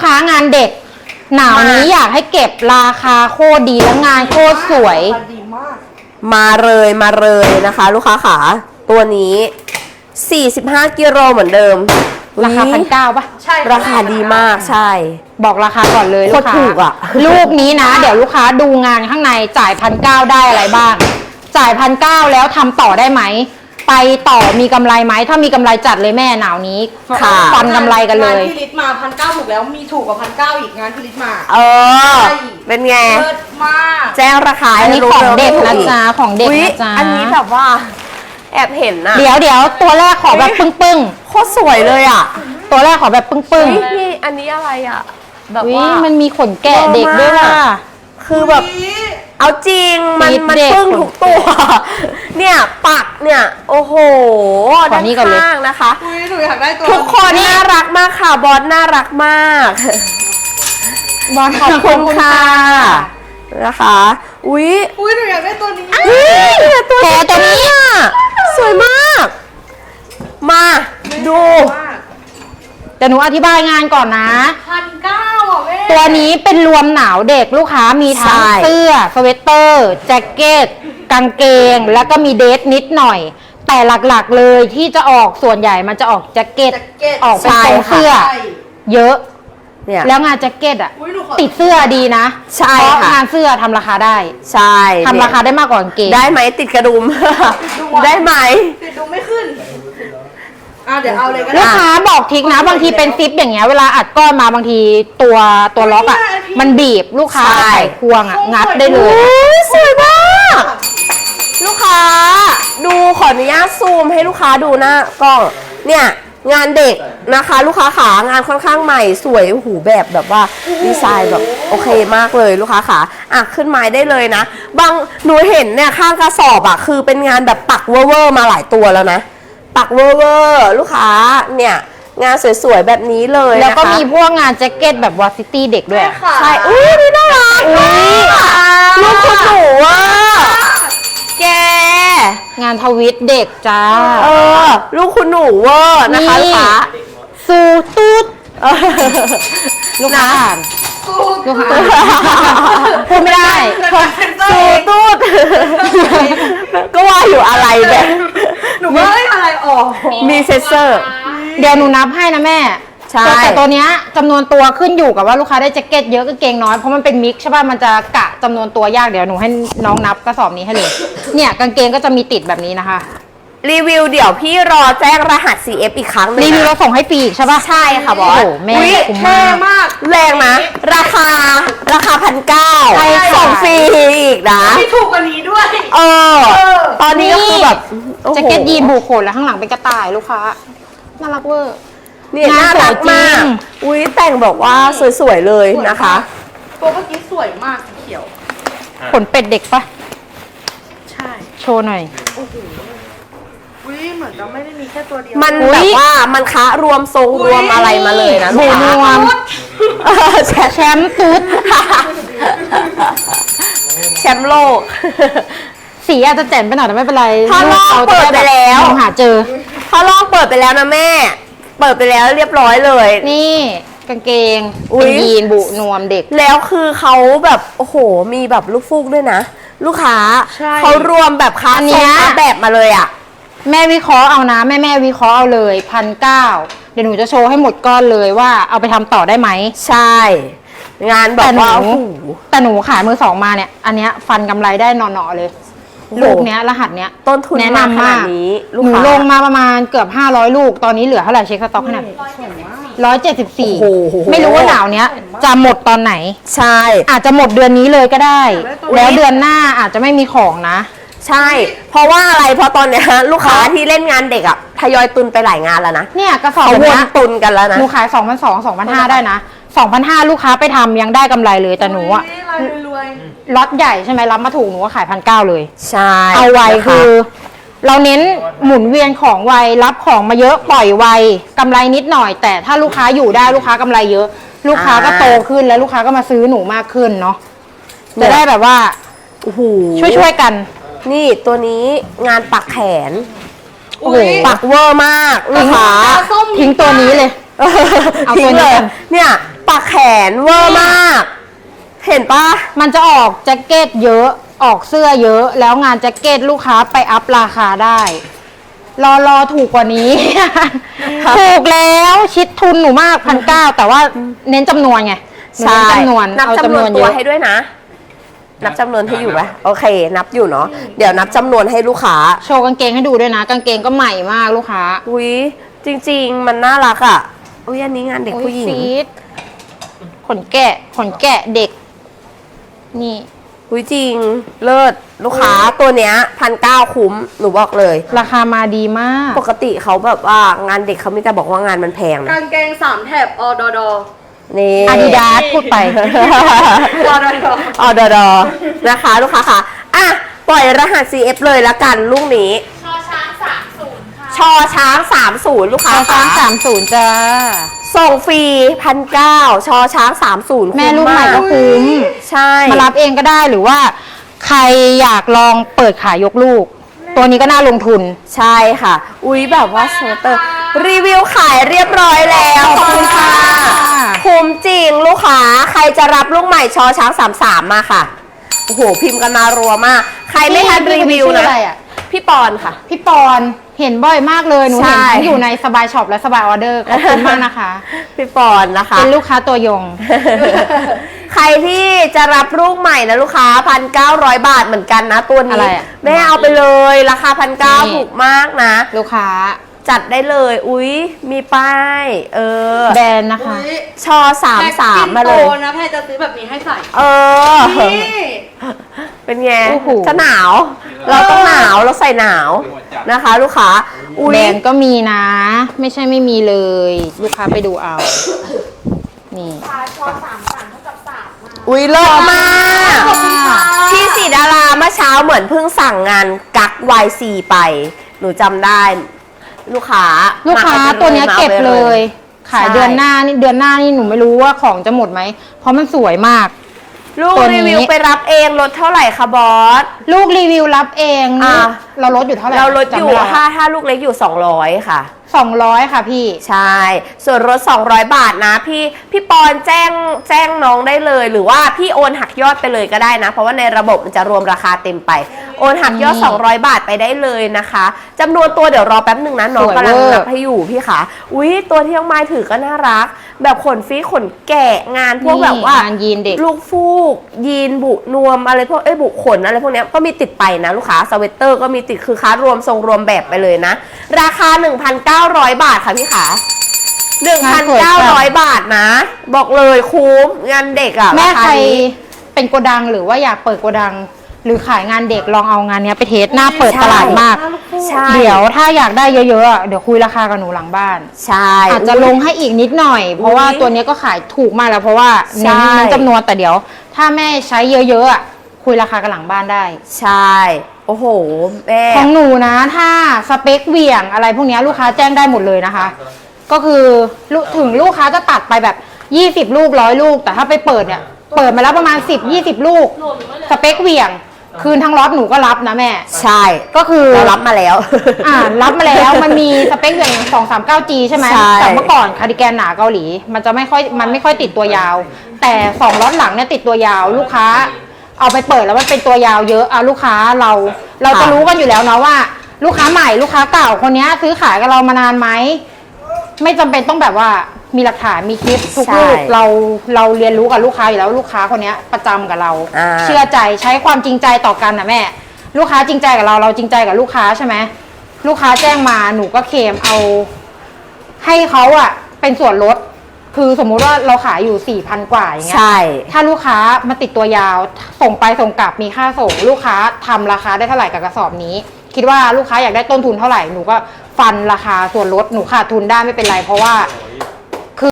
ค้างานเด็กหนาวนี้อยากให้เก็บราคาโคตรดีแล้วงานโคตรสวยมาเลยนะคะลูกค้าขาตัวนี้45กิโลเหมือนเดิมราคา1,900ป่ะใช่ราคาดีมากใช่บอกราคาก่อนเลยลูกค้าถูกอ่ะลูกนี้นะเดี๋ยวลูกค้าดูงานข้างในจ่าย1,900ได้อะไรบ้างจ่าย1,900แล้วทำต่อได้ไหมไปต่อมีกำไรไหมถ้ามีกำไรจัดเลยแม่หนาวนี้ฟันกำไรกันเลยงานที่ลิตมา1,900ถูกแล้วมีถูกกว่า1,900อีกงานที่ลิตมาเป็นไงเลิศมากแจ้งราคาอันนี้ของเด็กนะจ๊ะของเด็กนะจ๊ะอันนี้แบบว่าแอบเห็นนะเดี๋ยวตัวแรกขอแบบปึ้งโคตรสวยเลยอ่ะตัวแรกขอแบบปึ้งนี่อันนี้อะไรอ่ะแบบว่ามันมีขนแกะเด็กด้วยว่ะคือแบบเอาจริงมันปึ้งทุกตัวเนี่ยปักเนี่ยโอ้โหด้านข้างนะคะหนูอยากได้ตัวทุกคนน่ารักมากค่ะบอสน่ารักมากบอสขอบคุณค่ะนะคะอุ้ยหนูอยากได้ตัวนี้ตัวนี้สวยมากมาดูแต่หนูอธิบายงานก่อนนะ 1,900อ่ะแม่ตัวนี้เป็นรวมหนาวเด็กลูกค้ามีทั้งเสื้อสเวตเตอร์แจ็คเก็ตกางเกงแล้วก็มีเดรสนิดหน่อยแต่หลักๆเลยที่จะออกส่วนใหญ่มันจะออกแจ็คเก็ตออกเป็นทรงเสื้อเยอะแล้วงานแจ็คเก็ตอ่ะติดเสื้อดีนะใช่ค่ะงานเสื้อทำราคาได้ใช่ทำราคาได้มากกว่ากางเกงได้ไหมติดกระดุมได้ไหมติดดุมไม่ขึ้นเดี๋ยวเอาเลยก็ได้ลูกค้าบอกทิกนะบางทีเป็นซิปอย่างเงี้ยเวลาอัดก้อนมาบางทีตัวล็อกอ่ะมันบีบลูกค้าใส่ควงอ่ะงัดได้เลยสวยมากลูกค้าดูขออนุญาตซูมให้ลูกค้าดูหน้ากล้องเนี่ยงานเด็กนะคะลูกค้าขางานค่อนข้างใหม่สวยหูแบบว่าดีไซน์แบบโอเคมากเลยลูกค้าขาขึ้นไม้ได้เลยนะบางหนูเห็นเนี่ยข้างกระสอบคือเป็นงานแบบปักเวอร์มาหลายตัวแล้วนะปักเวอร์ลูกค้าเนี่ยงานสวยๆแบบนี้เลยแล้วก็มีพวกงานแจ็คเก็ตแบบวาซิตี้เด็กด้วยใช่นี่น่ารักลูกคุณหนูแกงานทวิตเด็กจ้าลูกคุณหนูนะคะลูกค้าสูตูดลูกค้าลูกค้าพูดไม่ได้สูตูดก็ว่าอยู่อะไรแบบหนูว่าอะไรมีเซนเซอร์เดี๋ยวหนูนับให้นะแม่ใช่แต่ตัวเนี้ยจำนวนตัวขึ้นอยู่กับว่าลูกค้าได้แจ็คเก็ตเยอะก็เกงน้อยเพราะมันเป็นมิกซ์ใช่ป่ะมันจะกะจำนวนตัวยากเดี๋ยวหนูให้น้องนับกระสอบนี้ให้เลยเนี่ยกางเกงก็จะมีติดแบบนี้นะคะรีวิวเดี๋ยวพี่รอแจ้งรหัส CF อีกครั้งนึงรีวิวเราส่งให้ฟรีใช่ป่ะใช่ค่ะบอสแม่คุ้มมากแรงนะราคา1,900ส่งฟรีอีกนะไม่ถูกกว่านี้ด้วยตอนนี้ก็คือแบบแจ็คเก็ตยีนบูโขนแล้วข้างหลังเป็นกระต่ายลูกค้าน่ารักเวอร์นี่น่ารักมากแต่งบอกว่าสวยๆเลยนะคะตัวเมื่อกี้สวยมากสีเขียวขนเป็ดเด็กปะใช่โชว์หน่อยโอ้โหเหมือนเราไม่ได้มีแค่ตัวเดียวมันแบบว่ามันคะรวมทรงรวมอะไรมาเลยนะบูนวมแชมป์ตุ๊ดแชมป์โลกสีอาจจะแจ่มไปหน่อยแต่ไม่เป็นไรถ้าลองเปิดไปแล้วหาเจอถ้าลองเปิดไปแล้วนะแม่เปิดไปแล้วเรียบร้อยเลยนี่กางเกงเป็นยีนบุนวมเด็กแล้วคือเขาแบบโอ้โหมีแบบลูกฟูกด้วยนะลูกค้าเขารวมแบบค้าเนี้ยแบบมาเลยอ่ะแม่วิเคราะห์เอานะแม่วิเคราะห์เอาเลย1,900เดี๋ยวหนูจะโชว์ให้หมดก้อนเลยว่าเอาไปทำต่อได้ไหมใช่งานแบบว่าแต่หนูขายมือสองมาเนี่ยอันเนี้ยฟันกำไรได้นอนๆเลยลูกเนี้ยรหัสเนี้ยต้นทุนแนะนำมากหนูลงมาประมาณเกือบ500ลูกตอนนี้เหลือเท่าไหร่เช็คสต็อกขนาด174ไม่รู้ว่าหนาวเนี้ยจะหมดตอนไหนใช่อาจจะหมดเดือนนี้เลยก็ได้แล้วเดือนหน้าอาจจะไม่มีของนะใช่เพราะว่าอะไรเพราะตอนเนี้ยลูกค้าที่เล่นงานเด็กอ่ะทยอยตุนไปหลายงานแล้วนะเนี่ยกระสอบวนตุนกันแล้วนะหนูขาย2,200 2,500ได้นะ2,500ลูกค้าไปทำยังได้กำไรเลยแต่หนูอะล็อตใหญ่ใช่ไหมรับมาถูกหนูก็ขาย1,900เลยใช่เอาไวคือเราเน้นหมุนเวียนของไวรับของมาเยอะปล่อยไวกำไรนิดหน่อยแต่ถ้าลูกค้าอยู่ได้ลูกค้ากำไรเยอะลูกค้าก็โตขึ้นแล้วลูกค้าก็มาซื้อหนูมากขึ้นเนาะจะได้แบบว่าช่วยกันนี่ตัวนี้งานปักแขนโอ้โหปักเวอร์มากลูกค้าทิ้งตัวนี้เลยเอาตัวนี้เนี่ยปักแขนเวอร์มาก เห็นปะมันจะออกแจ็คเก็ตเยอะออกเสื้อเยอะ แล้วงานแจ็คเก็ตลูกค้าไปอัพราคาได้ รอถูกกว่านี้ ถูกแล้วชิดทุนหนูมาก1,900แต่ว่าเน้นจำนวนไงหนูใช่เน้นจำนวนนับเอาจำนวนเยตัวอะให้ด้วยนะ นับจำนวนให้อยู่ไหมโอเค นับอยู่เนาะเดี๋ยวนับจำนวนให้ลูกค้าโชว์กางเกงให้ดูด้วยนะกางเกงก็ใหม่มากลูกค้าอุ้ยจริง ๆ มันน่ารักอ่ะอุ้ยอันนี้งานเด็กผู้หญิงโอ้ยซีดขนแกะเด็ก นี่อุ้ยจริง เลิศลูกค้าตัวเนี้ย1,900คุ้มหนูบอกเลยราคามาดีมากปกติเขาแบบว่างานเด็กเขามีแต่บอกว่างานมันแพงนะกางเกง3 แถบอดอดอนี่อาดิดาสพูดไปอดอดอออดอนะคะลูกค้าค่ะอ่ะปล่อยรหัส CF เลยละกันลูกนี้ชอช้าง30ค่ะชอช้าง30ลูกค้าช้างค่ะ 30จ้าส่งฟรี1,900ชอช้าง30 แม่ลูกใหม่ก็คุ้คุ้มใช่มารับเองก็ได้หรือว่า ใครอยากลองเปิดขายยกลูก ตัวนี้ก็น่าลงทุนใช่ค่ะ อุ้ยแบบว่าสเวตเตอร์รีวิวขายเรียบร้อยแล้วขอบคุณค่ะ คุ้มจริงลูกค้าใครจะรับลูกใหม่ชอช้าง33มาค่ะโอ้โหพิมพ์กันมารัวมาก ใครไม่ทันรีวิวชื่อนะอะไรอ่ะพี่ปอนค่ะพี่ปอนเห็นบ่อยมากเลยหนูเห็นใช่ทั้งอยู่ในสบายช็อปและสบายออเดอร์ขอบคุณมากนะคะพี่ปอนนะคะเป็นลูกค้าตัวยงใครที่จะรับลูกใหม่นะลูกค้า1,900 บาทเหมือนกันนะตัวอะนี้ไรอะแม่เอาไปเลยราคานี่ 1,900ถูกมากนะลูกค้าจัดได้เลย อุ๊ย มีป้ายแบรนด์นะคะอุ๊ยชอ33มาเลยแพ็คกิ้งโตนะแพรจะซื้อแบบนี้ให้ใส่ นี่เป็นไงโอ้โหจะหนาว เราต้องหนาวเราใส่หนาวนะคะ ลูกค้า อุ๊ยแบรนด์ก็มีนะ ไม่ใช่ไม่มีเลย ลูกค้าไปดูเอา นี่อุ๊ยเลิศมาก พี่สีดาราเมื่อเช้าเหมือนเพิ่งสั่งงานกัก YC ไป หนูจำได้ ลูกค้าลูกค้ามาอไปตัวเนี้ยมาอาเก็บไปเลย ขายใช่เดือนหน้านี่หนูไม่รู้ว่าของจะหมดไหม เพราะมันสวยมากลูกตัวนี้รีวิวไปรับเองลดเท่าไหร่คะบอสลูกรีวิวรับเองอ่ะเราลดอยู่เท่าไหร่เราลดอยู่จำไม่ไถ้าลูกเล็กอยู่200ค่ะ 200 ค่ะพี่ใช่ ส่วนลด200 บาทนะพี่ปอนแจ้งน้องได้เลย หรือว่าพี่โอนหักยอดไปเลยก็ได้นะ เพราะว่าในระบบมันจะรวมราคาเต็มไป โอนหักยอดนี่ 200 บาทไปได้เลยนะคะจำนวนตัวเดี๋ยวรอแป๊บหนึ่งนะน้องสวยกำลังเวอร์นับให้อยู่พี่ค่ะอุ๊ยตัวที่น้องไม้ถือก็น่ารัก แบบขนฟรีขนแกะงานพวกแบบว่างานยีนเด็กลูกฟูกยีนบุนวมอะไรพวกบุขนอะไรพวกเนี้ยก็มีติดไปนะลูกค้าสเวตเตอร์ก็มีติดคือค้ารวมทรงรวมแบบไปเลยนะ ราคา 1,900 บาทค่ะพี่ขา 1,900 บาทนะ บอกเลยคุ้มงานเด็กอะแม่ราาใครนี้เป็นโกดังหรือว่าอยากเปิดโกดัง หรือขายงานเด็กลองเอางานเนี้ยไปเทสหน้าเปิดตลาดมากใช่เดี๋ยวถ้าอยากได้เยอะๆอะเดี๋ยวคุยราคากับหนูหลังบ้านใช่อาจจะลงให้อีกนิดหน่อย เพราะว่าตัวเนี้ยก็ขายถูกมากแล้วเพราะว่าเน้นใช่เน้นจำนวนแต่เดี๋ยว ถ้าแม่ใช้เยอะๆอะคุยราคากันหลังบ้านได้ใช่โอ้โหแม่ของหนูนะถ้าสเปคเหวี่ยงอะไรพวกเนี้ยลูกค้าแจ้งได้หมดเลยนะคะ ก็คือถึงลูกค้าจะตัดไปแบบ20ลูก100ลูก แต่ถ้าไปเปิดเนี่ยเปิดมาแล้วประมาณ10-20ลูกสเปคเหวี่ยงคืนทั้งล็อตหนูก็รับนะแม่ใช่ก็คือเรารับมาแล้วรับมาแล้วมันมีสเปคอย่าง 239G ใช่ไหมใช่แต่เมื่อก่อนคาร์ดิแกนหนาเกาหลี มันไม่ค่อยติดตัวยาว แต่2ล็อตหลังเนี่ยติดตัวยาว ลูกค้าเอาไปเปิดแล้วมันเป็นตัวยาวเยอะลูกค้าเราจะรู้กันอยู่แล้วเนาะว่า ลูกค้าใหม่ลูกค้าเก่าคนนี้ซื้อขายกับเรามานานไหมไม่จำเป็นต้องแบบว่ามีหลักฐานมีคลิปทุกลูกเราเรียนรู้กับลูกค้าอยู่แล้วลูกค้าคนนี้ประจำกับเรา เชื่อใจใช้ความจริงใจต่อกันนะแม่ ลูกค้าจริงใจกับเราจริงใจกับลูกค้าใช่ไหมลูกค้าแจ้งมาหนูก็เคลมเอาให้เขาอะเป็นส่วนลดคือสมมุติว่าเราขายอยู่4,000 กว่าอย่างเงี้ยใช่ถ้าลูกค้ามาติดตัวยาวส่งไปส่งกลับมีค่าส่ง ลูกค้าทำราคาได้เท่าไหร่กับกระสอบนี้ คิดว่าลูกค้าอยากได้ต้นทุนเท่าไหร่หนูก็ฟันราคาส่วนลดหนูขาดทุนได้ไม่เป็นไร เพราะว่า